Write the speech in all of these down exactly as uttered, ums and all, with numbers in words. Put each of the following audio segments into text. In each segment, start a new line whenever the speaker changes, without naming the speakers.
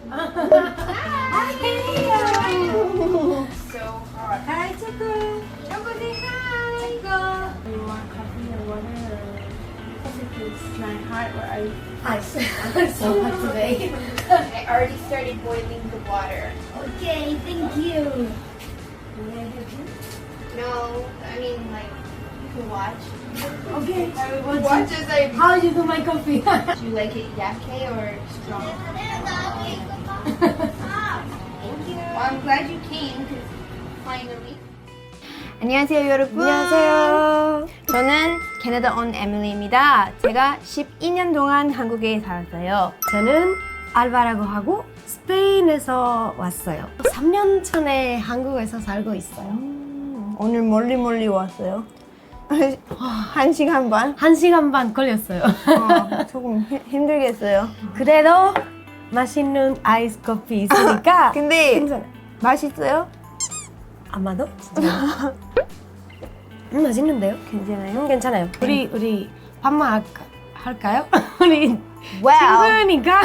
Hi, Leo.
So hot.
Hi, Choco. Choco, say hi. Choco.
You want coffee or water? Coffee is my heart. Where are you?
Ice. I'm so hot today.
I already started boiling the water.
Okay, thank you. May I help you?
No, I mean like you can watch.
Okay.
I would watch as I.
How you do my coffee?
Do you like it yake or strong? Thank you. Well, I'm glad you came because finally. 안녕하세요 여러분.
안녕하세요.
저는 캐나다 온 에밀리입니다. 제가 십이 년 동안 한국에 살았어요.
저는 알바라고 하고 스페인에서 왔어요. 삼 년 전에 한국에서 살고 있어요.
오늘 멀리 멀리 왔어요. 한 시간 반?
한 시간 반 걸렸어요.
어, 조금 히, 힘들겠어요.
그래도 맛있는 아이스 커피 있으니까
근데
괜찮아.
맛있어요?
아마도 진짜. 음, 맛있는데요?
괜찮아요?
음, 괜찮아요. 우리 우리 밥만 할까, 할까요? 우리
와우.
친구니까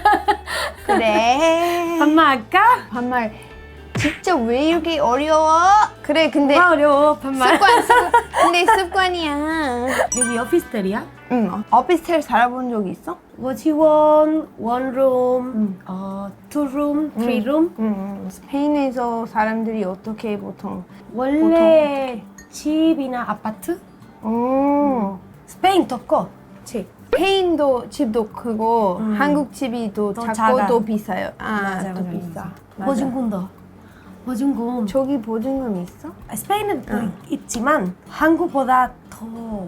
그래.
밥만 할까?
반말 진짜 왜 이렇게 어려워? 그래 근데
뭐가 어려워 밥만.
습관 습관 근데 습관이야.
여기 오피스텔이야?
응. 오피스텔 살아본 적 있어?
워치원, 원룸, 어, 투룸, 쓰리룸.
응. 스페인에서 사람들이 어떻게 보통?
원래 집이나 아파트?
음.
스페인 더 커. 집.
스페인도 집도 크고
음.
한국 집이 더
더
작고
작아.
또 비싸요. 아,
맞아,
또
맞아,
비싸.
맞아.
맞아.
보증금도. 보증금.
저기 보증금 있어?
스페인은 또
응.
있지만 한국보다 더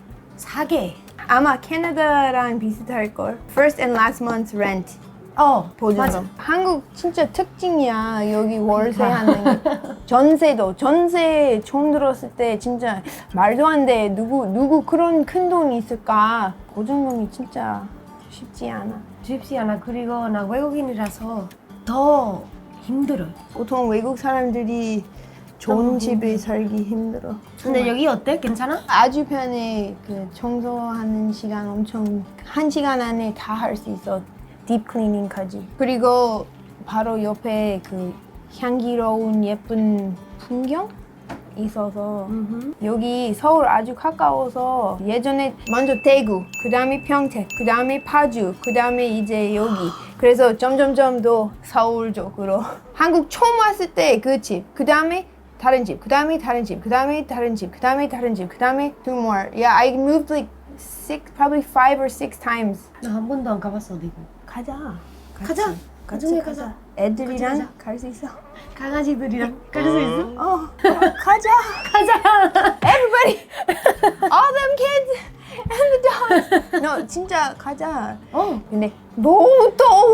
싸게.
아마 캐나다랑 비슷할 걸. First and last month's rent
어,
보증금.
맞아.
한국 진짜 특징이야. 여기 월세
그러니까.
하는 게. 전세도 전세 총 들었을 때 진짜 말도 안 돼. 누구 누구 그런 큰 돈이 있을까? 보증금이 진짜 쉽지 않아.
쉽지 않아. 그리고 나 외국인이라서 더 힘들어.
보통 외국 사람들이 좋은
너무
집에 살기 힘들어.
근데 여기 어때? 괜찮아?
아주 편해. 그 청소하는 시간 엄청 한 시간 안에 다 할 수 있어. 딥 클리닝까지. 그리고 바로 옆에 그 향기로운 예쁜 풍경 있어서
음흠.
여기 서울 아주 가까워서 예전에 먼저 대구, 그 다음에 평택, 그 다음에 파주, 그 다음에 이제 여기. 그래서 점점점 더 서울 쪽으로. 한국 처음 왔을 때 그 집, 그 다음에 다른 집, 그 다음에 다른 집, 그 다음에 다른 집, 그 다음에 다른 집, 그 다음에 two more. Yeah, I moved like six, probably five or six times.
나 한 번도 안 가봤어 어디고.
가자. 같이.
가자.
같이
나중에
가자.
가자.
애들이랑
가자.
갈 수 있어.
강아지들이랑 갈 수 있어?
어, 가자.
가자.
Everybody, all them kids and the dogs. No, 진짜 가자.
어.
근데 너무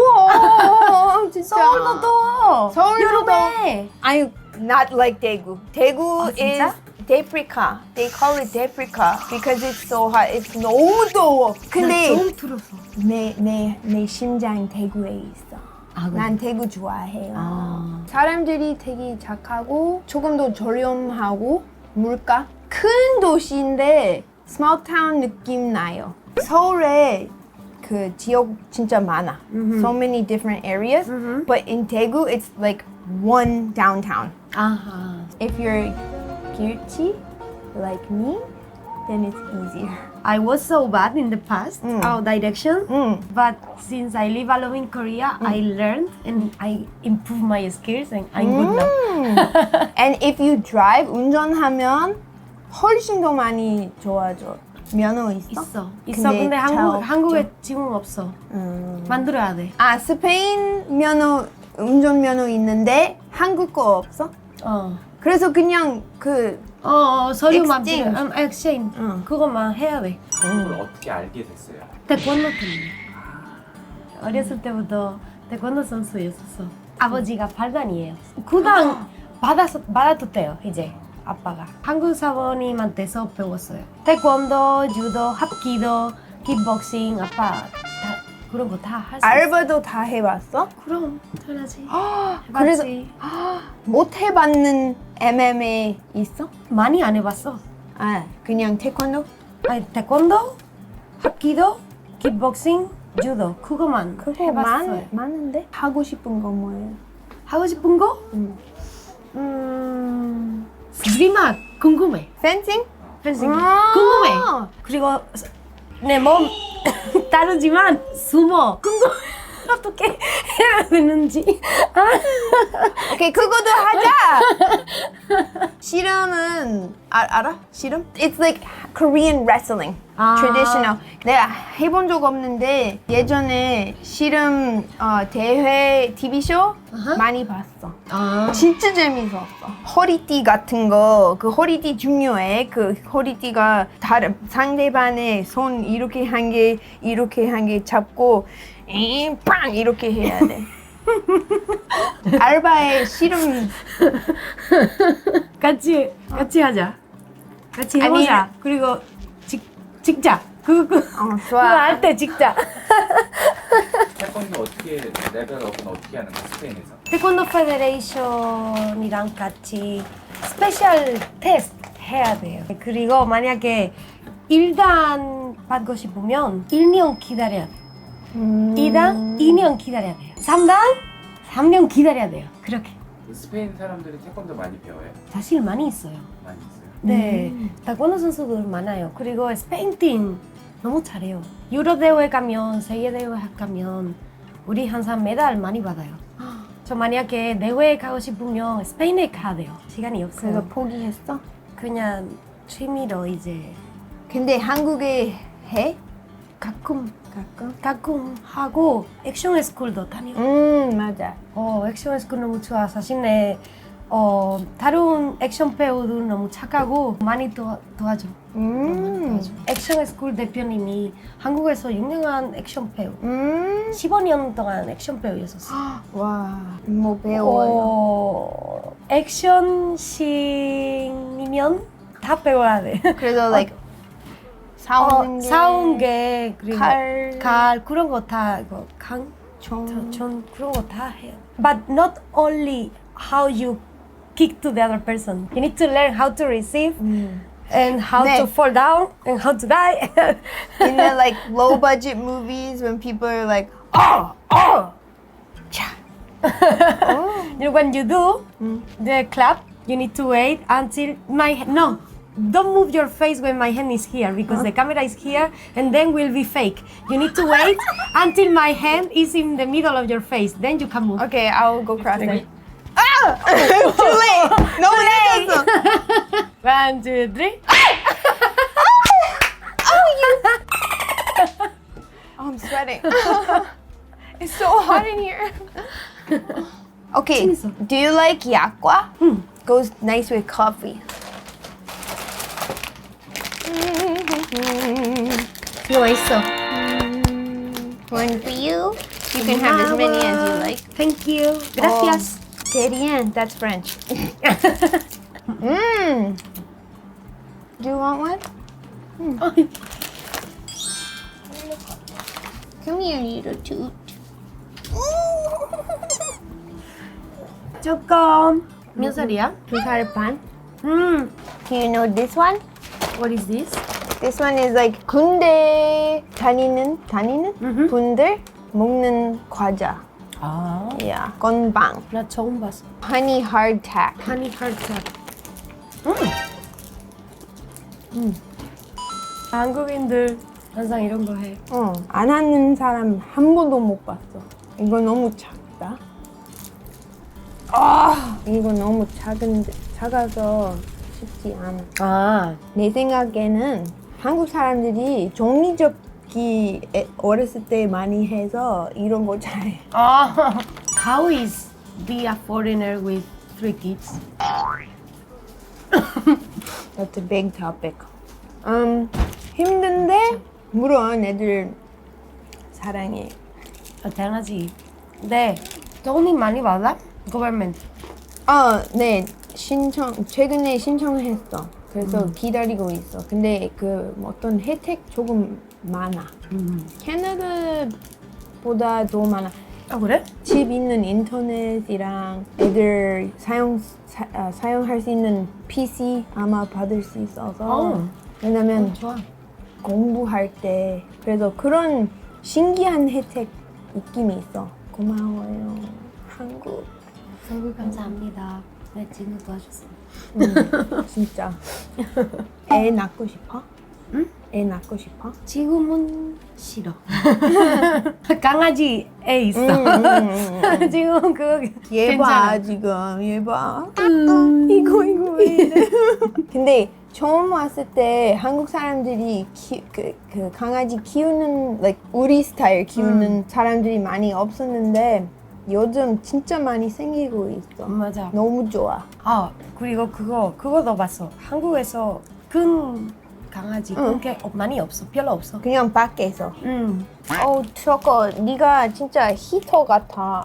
더워. 진짜.
서울도 더워.
서울도 더워.
여름에.
아니, not like 대구. 대구
아,
is
진짜?
데프리카. They call it 데프리카 because it's so hot. It's 너무 더워. 근데
나 처음 들었어.
내, 내, 내 심장 대구에 있어.
아, 그래?
난 대구 좋아해요.
아.
사람들이 되게 착하고 조금 더 저렴하고 물가 큰 도시인데 small town 느낌 나요. 서울에 그 지역 진짜 많아. So many different areas.
Mhm.
But in Daegu it's like one downtown.
아하.
If you're guilty like me, then it's easier.
I was so bad in the past,
Mm.
our direction.
음.
But since I live alone in Korea, I learned and I improved my skills and I'm good now.
음. And if you drive, 운전하면 훨씬 더 많이 좋아져. 면허 있어?
있어. 있어. 근데,
잘
한국,
없죠.
한국에 지금 없어.
음.
만들어야 돼.
아, 스페인 면허, 운전 면허 있는데 한국 거 없어?
어.
그래서 그냥 그
어, 어 서류만
Exchange.
필요- 음, exchange.
응.
그것만 해야 돼.
한국을 어떻게 알게 됐어요?
태권도 때문에. 어렸을 때부터 태권도 선수였었어. 아버지가 팔단이에요. 구단 받았, 받아뒀대요, 이제. 아빠가. 한국 사모님한테서 배웠어요. 태권도, 주도, 합기도, 킥복싱, 아빠 다 그런 거 다 할 수 있어.
알바도 다 해봤어?
그럼 당연하지.
그래서
해봤지.
못 해봤는 엠엠에이 있어?
많이 안 해봤어.
아, 그냥 태권도?
아니 태권도, 합기도, 킥복싱, 주도 그거만
그거
해봤어요.
많, 많은데? 하고 싶은 거 뭐예요?
하고 싶은 거?
음.
음, 스리막 궁금해.
펜싱?
펜싱
아~
궁금해. 그리고 내 몸 다르지만 수모 궁금해. 어떻게 해야 되는지.
오케이, 그거도 하자! 씨름은, 아, 알아? 씨름? It's like Korean wrestling.
아.
Traditional. 내가 해본 적 없는데 예전에 씨름 어, 대회 티비쇼
아하.
많이 봤어.
아,
진짜 재밌었어. 허리띠 같은 거, 그 허리띠 중요해. 그 허리띠가 다른 상대방의 손 이렇게 한 개, 이렇게 한 개 잡고 잉, 빵 이렇게 해야 돼. 알바의 씨름
같이 같이 하자. 같이
아니,
해보자. 그리고 직 직자. 그거 그,
어,
그거
좋아.
할 때 직자.
태권도 어떻게 레벨업은 어떻게 하는 거야 스페인에서?
태권도 페데레이션이랑 같이 스페셜 테스트 해야 돼요. 그리고 만약에 일 단 받고 싶으면 일 년 기다려야 돼요.
음.
이 단 이 년 기다려야 돼요. 삼 단 삼 년 기다려야 돼요. 그렇게.
그 스페인 사람들이 태권도 많이 배워요?
사실 많이 있어요.
많이 있어요?
네,
음.
태권도 선수들 많아요. 그리고 스페인 팀 너무 잘해요. 유로 대회 가면, 세계 대회 가면 우리 항상 메달 많이 받아요. 저 만약에 대회 가고 싶으면 스페인에 가야 돼요. 시간이
그래서
없어요.
포기했어?
그냥 취미로 이제
근데 한국에 해?
가끔
가끔?
가끔 하고 액션 스쿨도 다녀요.
음, 맞아.
어, 액션 스쿨 너무 좋아. 사실 내 어, 다른 액션 배우들 너무 착하고 많이 도와, 도와줘.
음.
도와줘. 액션 스쿨 대표님이 한국에서 유명한 액션 배우.
음.
십오 년 동안 액션 배우였었어.
와, 뭐 배워요?
어, 액션 씬이면 다 배워야 돼.
그래서 like 싸우는
어,
게
싸운 게 그리고
칼,
칼 그런 거 다 이거 강,
총.
전 그런 거 다 해요. But not only how you kick to the other person. You need to learn how to receive
음.
and how
네.
to fall down and how to die.
In the like low budget movies when people are like, oh, oh, cha.
You know, when you do
Mm.
the clap, you need to wait until my no. Don't move your face when my hand is here because the camera is here and then will be fake. You need to wait until my hand is in the middle of your face. Then you can move.
Okay, I'll go cross it. Ah! Too late. 너무 늦었어.
One, two, three.
Oh, I'm sweating. It's so hot in here. Okay,
재밌어.
do you like yakwa?
응.
Goes nice with coffee.
이거 맛있어.
One for you. You can have as many as you like.
Thank you. Gracias.
Que bien. That's French. Mmm. Do you want one?
어이,
Come here, little toot.
조금. 몇 살이야?
두살 반.
음.
Do you know this one?
What is this?
This one is like 군대 다니는 다니는
음흠.
분들 먹는 과자.
아.
Yeah. 건빵.
나 처음 봤어.
Honey hardtack.
하니 컬처. 음. 음. 한국인들 항상 이런 거 해.
어. 안 하는 사람 한 번도 못 봤어. 이거 너무 작다. 아, 이거 너무 작은 작아서 쉽지 않아.
아.
내 생각에는 한국 사람들이 종이접기 에- 어렸을 때 많이 해서 이런 거 잘해.
아. How is be a foreigner with three kids?
That's a big topic. 음, 힘든데 물론 애들 사랑해.
아, 당연하지. 네. 돈이 많이 받아? Government.
어, 네. 신청 최근에 신청했어. 그래서 기다리고 있어. 근데 그 어떤 혜택 조금 많아.
음.
캐나다보다 더 많아.
아 그래?
집 있는 인터넷이랑 애들 사용 사, 아, 사용할 수 있는 피씨 아마 받을 수 있어서.
어.
왜냐면
좋아.
공부할 때 그래서 그런 신기한 혜택 느낌이 있어. 고마워요. 한국.
한국 감사합니다. 내 친구 도와줬어.
음, 진짜. 애 낳고 싶어?
응?
애 낳고 싶어?
지금은 싫어. 강아지 애 있어.
음, 음, 음, 음.
지금 그거
얘 봐,
괜찮아.
지금. 얘 봐.
음.
이거, 이거 왜 이래? 근데 처음 왔을 때 한국 사람들이 키, 그, 그 강아지 키우는, like, 우리 스타일 키우는
음.
사람들이 많이 없었는데 요즘 진짜 많이 생기고 있어.
맞아.
너무 좋아.
아 그리고 그거 그거도 봤어. 한국에서 큰 강아지
응.
그게 많이 없어. 별로 없어.
그냥 밖에서.
음.
어, 저거 네가 진짜 히터 같아.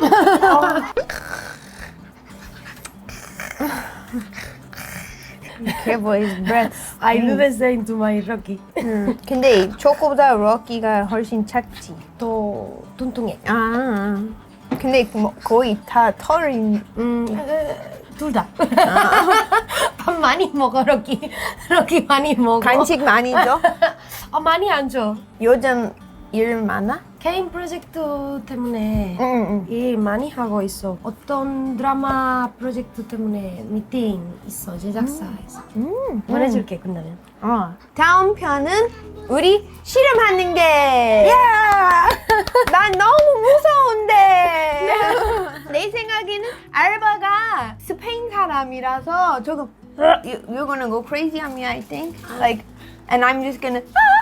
Careful his breath.
I do the same to my Rocky.
음, 근데 저거보다 럭키가 훨씬 작지.
더 뚱뚱해.
아, 근데 뭐 거의 다 털이.
음. 둘 다. 밥 많이 먹어 럭키. 럭키 많이 먹어.
간식 많이 줘?
어 많이 안 줘.
요즘 일 많아?
개인 프로젝트 때문에
응, 응.
일 많이 하고 있어. 어떤 드라마 프로젝트 때문에 미팅 있어 제작사에서.
음,
보내줄게 끝나면.
어. 다음 편은 우리 실험하는 게. 난 너무 무서운데. 내 생각에는 알바가 스페인 사람이라서 조금 you, you're gonna go crazy on me, I think. Like, and I'm just gonna.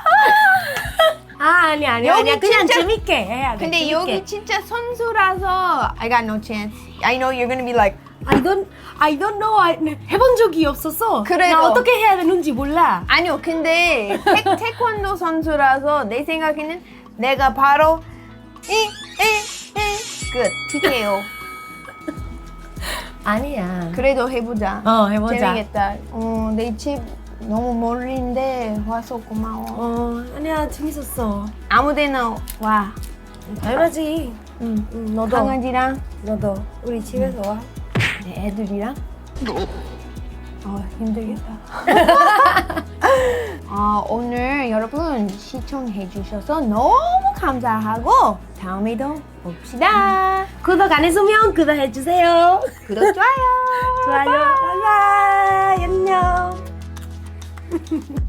아 아니 아니
여기
아니야 그냥
진짜-
재밌게 해야 돼.
근데
재밌게.
여기 진짜 선수라서 I got no chance. I know you're gonna be like.
I don't I don't know. I, 해본 적이 없어서
그래도-
나 어떻게 해야 되는지 몰라.
아니요, 근데 태, 태권도 선수라서 내 생각에는 내가 바로 이이이끝 티케이오.
아니야.
그래도 해보자.
어 해보자.
재밌겠다. 어, 내 집 너무 멀리인데 와서 고마워.
어 아니야 재밌었어.
아무데나 와.
당연하지.
응.
응, 너도
강아지랑
너도 우리 집에서 와.
내 애들이랑. 어 힘들겠다. 어, 오늘 여러분 시청해 주셔서 너무 감사하고 다음에도 봅시다.
구독 안 했으면 구독해 주세요.
구독 좋아요.
좋아요. 바이바이. 안녕.